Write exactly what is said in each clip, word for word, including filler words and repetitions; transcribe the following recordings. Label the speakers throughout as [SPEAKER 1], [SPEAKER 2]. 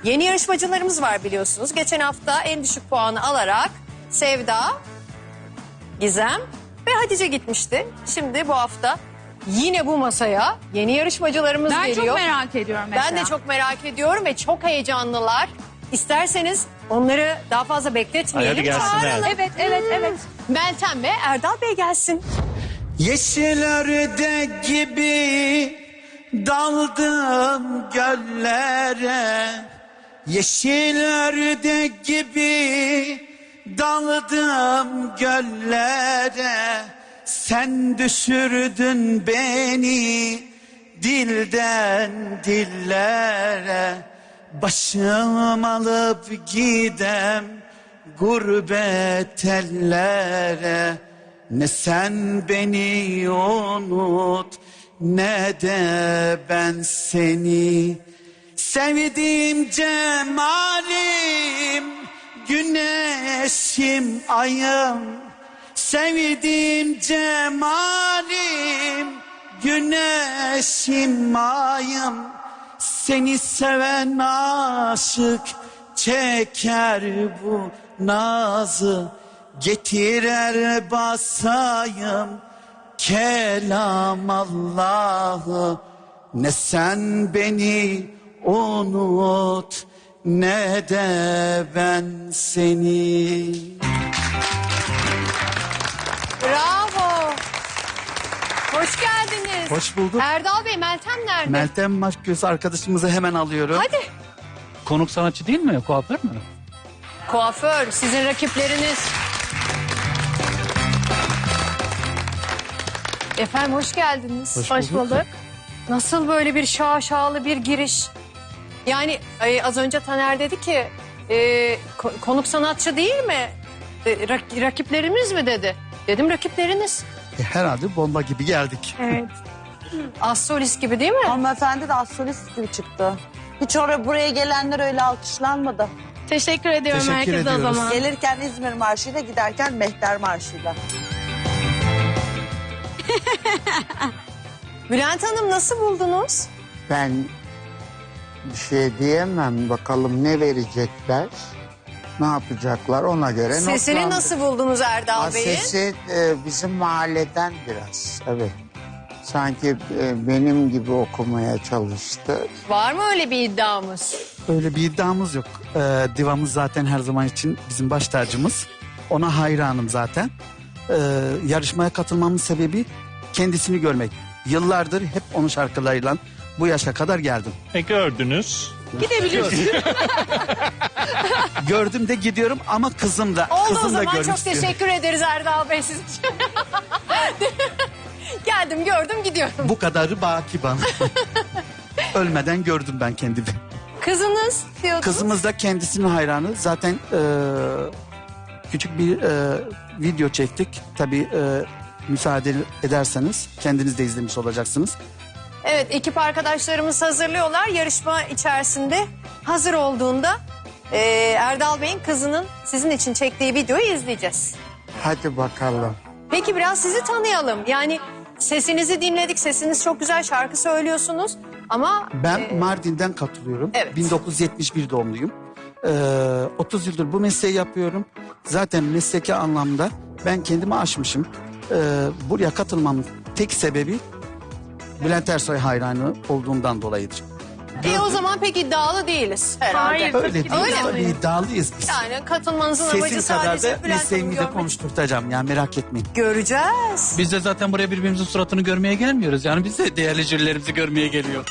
[SPEAKER 1] Yeni yarışmacılarımız var biliyorsunuz. Geçen hafta en düşük puanı alarak Sevda, Gizem ve Hatice gitmişti. Şimdi bu hafta yine bu masaya yeni yarışmacılarımız
[SPEAKER 2] Ben
[SPEAKER 1] geliyor.
[SPEAKER 2] çok merak ediyorum mesela.
[SPEAKER 1] Ben de çok merak ediyorum ve çok heyecanlılar. İsterseniz onları daha fazla bekletmeyelim.
[SPEAKER 3] Hadi gelsinler.
[SPEAKER 1] Çağıralım.
[SPEAKER 2] Evet, evet, evet.
[SPEAKER 1] Meltem ve Erdal Bey gelsin.
[SPEAKER 4] Yeşil ördek gibi daldım göllere. Yeşil ördek gibi daldım göllere. Sen düşürdün beni dilden dillere. Başım alıp gidem gurbet ellere. Ne sen beni unut ne de ben seni. Sevdiğim cemalim, güneşim ayım. Sevdiğim cemalim, güneşim ayım. Seni seven aşık çeker bu nazı. Getir el basayım kelam Allah'ı. Ne sen beni unut ne de ben seni.
[SPEAKER 1] Bravo. Hoş geldiniz.
[SPEAKER 4] Hoş bulduk.
[SPEAKER 1] Erdal Bey, Meltem nerede?
[SPEAKER 4] Meltem Maşgöz arkadaşımızı hemen alıyorum.
[SPEAKER 1] Hadi.
[SPEAKER 3] Konuk sanatçı değil mi? Kuaför mü?
[SPEAKER 1] Kuaför, sizin rakipleriniz. Efendim hoş geldiniz.
[SPEAKER 4] Hoş
[SPEAKER 1] Hoş
[SPEAKER 4] bulduk.
[SPEAKER 1] bulduk. Nasıl böyle bir şaşalı bir giriş? Yani e, az önce Taner dedi ki e, ko- konuk sanatçı değil mi? E, rak- rakiplerimiz mi dedi? Dedim rakipleriniz.
[SPEAKER 4] E, herhalde bomba gibi geldik.
[SPEAKER 2] Evet.
[SPEAKER 1] Assolist gibi değil mi?
[SPEAKER 5] Hanımefendi de astrolist gibi çıktı. Hiç oraya buraya gelenler öyle alkışlanmadı.
[SPEAKER 2] Teşekkür ediyorum
[SPEAKER 4] Teşekkür
[SPEAKER 2] herkese
[SPEAKER 4] ediyoruz.
[SPEAKER 2] o zaman.
[SPEAKER 5] Gelirken İzmir Marşı'yla giderken Mehter Marşı'yla.
[SPEAKER 1] Bülent Hanım nasıl buldunuz?
[SPEAKER 6] Ben bir şey diyemem. Bakalım ne verecekler, ne yapacaklar ona göre
[SPEAKER 1] Sesini
[SPEAKER 6] notlandır.
[SPEAKER 1] nasıl buldunuz Erdal
[SPEAKER 6] Aa,
[SPEAKER 1] Bey'in?
[SPEAKER 6] Sesi e, bizim mahalleden biraz. Evet. Sanki e, benim gibi okumaya çalıştı.
[SPEAKER 1] Var mı öyle bir iddiamız?
[SPEAKER 4] Öyle bir iddiamız yok. Ee, divamız zaten her zaman için bizim baş tacımız. Ona hayranım zaten. Ee, yarışmaya katılmamın sebebi kendisini görmek. Yıllardır hep onun şarkılarıyla bu yaşa kadar geldim.
[SPEAKER 3] E gördünüz.
[SPEAKER 2] Gidebiliyorsun.
[SPEAKER 4] Gördüm de gidiyorum ama kızım da,
[SPEAKER 1] Oldu o
[SPEAKER 4] kızım da
[SPEAKER 1] zaman
[SPEAKER 4] görmek
[SPEAKER 1] çok
[SPEAKER 4] istiyorum.
[SPEAKER 1] teşekkür ederiz Erdal Bey sizin için. Geldim gördüm gidiyorum.
[SPEAKER 4] Bu kadarı baki bana. Ölmeden gördüm ben kendimi.
[SPEAKER 1] Kızınız diyordunuz.
[SPEAKER 4] Kızımız da kendisinin hayranı. Zaten e, küçük bir e, video çektik. Tabii e, müsaade ederseniz kendiniz de izlemiş olacaksınız.
[SPEAKER 1] Evet ekip arkadaşlarımız hazırlıyorlar. Yarışma içerisinde hazır olduğunda e, Erdal Bey'in kızının sizin için çektiği videoyu izleyeceğiz.
[SPEAKER 6] Hadi bakalım.
[SPEAKER 1] Peki biraz sizi tanıyalım. Yani sesinizi dinledik. Sesiniz çok güzel, şarkı söylüyorsunuz. Ama
[SPEAKER 4] Ben
[SPEAKER 1] e,
[SPEAKER 4] Mardin'den katılıyorum.
[SPEAKER 1] Evet.
[SPEAKER 4] bin dokuz yüz yetmiş bir doğumluyum. Ee, otuz yıldır bu mesleği yapıyorum. Zaten mesleki anlamda ben kendimi aşmışım. Ee, buraya katılmamın tek sebebi Bülent Ersoy hayranı olduğumdan dolayıdır.
[SPEAKER 1] e, o zaman pek iddialı değiliz herhalde.
[SPEAKER 2] Hayır.
[SPEAKER 4] Öyle
[SPEAKER 2] Tabii ki
[SPEAKER 4] değil.
[SPEAKER 1] Öyle mi?
[SPEAKER 4] Tabii iddialıyız biz.
[SPEAKER 1] Yani katılmanızın amacı
[SPEAKER 4] Sesim kadar
[SPEAKER 1] sadece
[SPEAKER 4] da
[SPEAKER 1] Bülent Hanım'ı
[SPEAKER 4] mesleğimi de
[SPEAKER 1] görmek.
[SPEAKER 4] konuşturtacağım. Yani merak etmeyin.
[SPEAKER 1] Göreceğiz.
[SPEAKER 3] Biz de zaten buraya birbirimizin suratını görmeye gelmiyoruz. Yani biz de değerli jürilerimizi görmeye geliyor.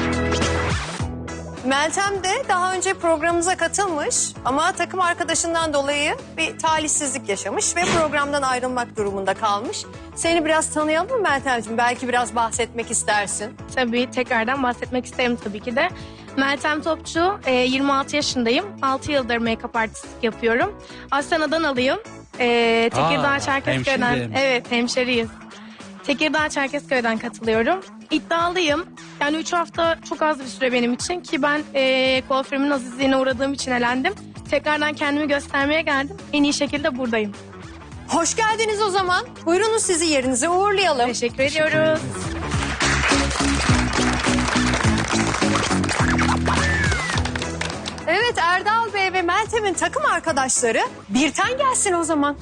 [SPEAKER 1] Meltem de daha önce programımıza katılmış ama takım arkadaşından dolayı bir talihsizlik yaşamış ve programdan ayrılmak durumunda kalmış. Seni biraz tanıyalım mı Meltemciğim? Belki biraz bahsetmek istersin.
[SPEAKER 2] Tabii tekrardan bahsetmek isterim tabii ki de. Meltem Topçu, e, yirmi altı yaşındayım. altı yıldır make-up artistlik yapıyorum. Aslen Adanalıyım. E, Tekirdağ
[SPEAKER 3] Aa,
[SPEAKER 2] Çerkezköy'den.
[SPEAKER 3] hemşire mi?
[SPEAKER 2] Evet, hemşeriyiz. Tekirdağ Çerkezköy'den katılıyorum. İddialıyım. Yani üç hafta çok az bir süre benim için ki ben e, kuaförümün azizliğine uğradığım için elendim. Tekrardan kendimi göstermeye geldim. En iyi şekilde buradayım.
[SPEAKER 1] Hoş geldiniz o zaman. Buyurunuz sizi yerinize uğurlayalım.
[SPEAKER 2] Teşekkür ediyoruz.
[SPEAKER 1] Evet, Erdal Bey ve Meltem'in takım arkadaşları birten gelsin o zaman.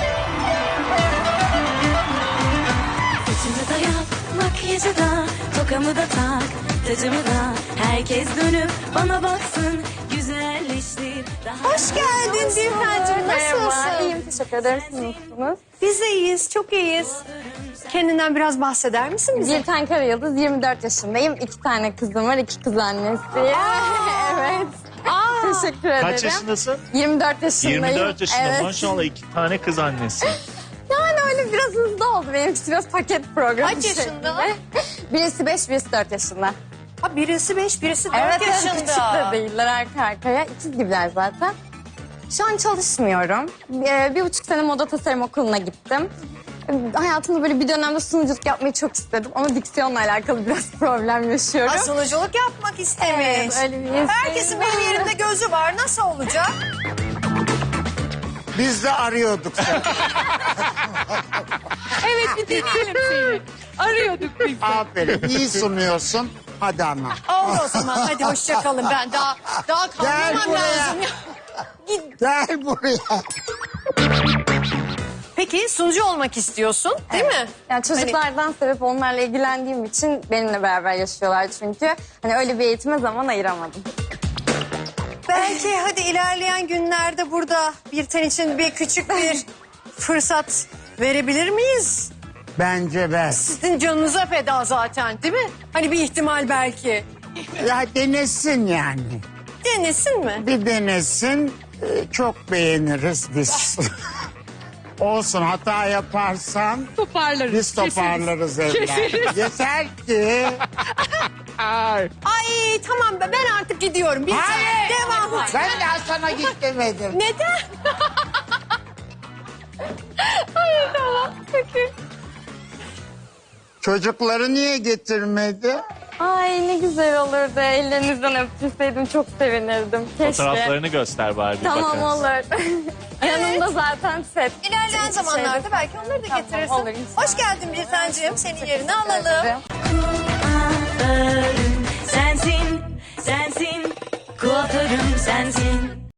[SPEAKER 7] Saçımı da yap, makyajı da, tokamı da tak, tacımı da. Herkes dönüp bana baksın, güzelleştir. Daha
[SPEAKER 1] Hoş geldin Dilber'cim, nasılsın?
[SPEAKER 8] İyiyim, teşekkür ederim. Siz nasılsınız?
[SPEAKER 1] Biz de iyiyiz, çok iyiyiz. Kendinden biraz bahseder misin bize?
[SPEAKER 8] Bir tane Karayıldız, yirmi dört yaşındayım. İki tane kızım var, iki kız annesiyim. evet.
[SPEAKER 1] Aa,
[SPEAKER 8] Teşekkür ederim.
[SPEAKER 9] Kaç yaşındasın?
[SPEAKER 8] yirmi dört yaşındayım.
[SPEAKER 9] yirmi dört yaşında
[SPEAKER 8] Evet.
[SPEAKER 9] maşallah iki tane kız annesi.
[SPEAKER 8] Yani öyle biraz hızlı oldu. Benimkisi biraz paket programı
[SPEAKER 1] Kaç yaşında?
[SPEAKER 8] şeklinde. Birisi beş, birisi dört yaşında.
[SPEAKER 1] ha, birisi beş, birisi dört
[SPEAKER 8] Evet, evet,
[SPEAKER 1] yaşında.
[SPEAKER 8] küçük de değiller arka arkaya. İkiz gibiler zaten. Şu an çalışmıyorum. Ee, bir buçuk sene moda tasarım okuluna gittim. Ee, Hayatımda böyle bir dönemde sunuculuk yapmayı çok istedim. Ama diksiyonla alakalı biraz problem yaşıyorum.
[SPEAKER 1] Ha, sunuculuk yapmak istemiş.
[SPEAKER 8] Evet, öyle bir isteğim
[SPEAKER 1] Herkesin
[SPEAKER 8] var.
[SPEAKER 1] benim yerimde gözü var. Nasıl olacak?
[SPEAKER 6] Biz de arıyorduk seni.
[SPEAKER 1] Evet, bir deneyelim seni. Arıyorduk biz.
[SPEAKER 6] Aferin. İyi sunuyorsun. Hadi ana.
[SPEAKER 1] Oldu o zaman. Hadi hoşça kalın. Ben daha daha
[SPEAKER 6] Gel
[SPEAKER 1] kalmam
[SPEAKER 6] buraya.
[SPEAKER 1] lazım. ya. Git.
[SPEAKER 6] Gel buraya.
[SPEAKER 1] Peki sunucu olmak istiyorsun, değil mi?
[SPEAKER 8] Yani çocuklardan sebep onlarla ilgilendiğim için benimle beraber yaşıyorlar çünkü. Hani öyle bir eğitime zaman ayıramadım.
[SPEAKER 1] Belki hadi ilerleyen günlerde burada Birten için bir küçük bir fırsat verebilir miyiz?
[SPEAKER 6] Bence ver.
[SPEAKER 1] Sizin canınıza feda zaten, değil mi? Hani bir ihtimal belki.
[SPEAKER 6] Ya denesin yani.
[SPEAKER 1] Denesin mi?
[SPEAKER 6] Bir denesin. Ee, Çok beğeniriz biz. Olsun, hata yaparsan
[SPEAKER 1] Toparlarız.
[SPEAKER 6] biz toparlarız evlat. Yeter ki. Ay.
[SPEAKER 1] Ay tamam be, ben artık gidiyorum. Bir
[SPEAKER 6] Hayır.
[SPEAKER 1] Devam.
[SPEAKER 6] Ben daha sana git demedim.
[SPEAKER 1] Neden? Hayır tamam. Peki.
[SPEAKER 6] Çocukları niye getirmedi?
[SPEAKER 8] Ay ne güzel olurdu. Ellerinizden öptürseydim çok sevinirdim. Keşke.
[SPEAKER 9] Fotoğraflarını göster bari bir
[SPEAKER 8] Tamam
[SPEAKER 9] bakarız.
[SPEAKER 8] olur. Yanımda zaten set.
[SPEAKER 1] İlerleyen zamanlarda belki onları da
[SPEAKER 8] Tamam,
[SPEAKER 1] getirirsin.
[SPEAKER 8] olur inşallah.
[SPEAKER 1] Hoş geldin Birtancığım. Senin yerini alalım.
[SPEAKER 8] ederim.
[SPEAKER 7] kuaförüm sensin, sensin, kuaförüm sensin.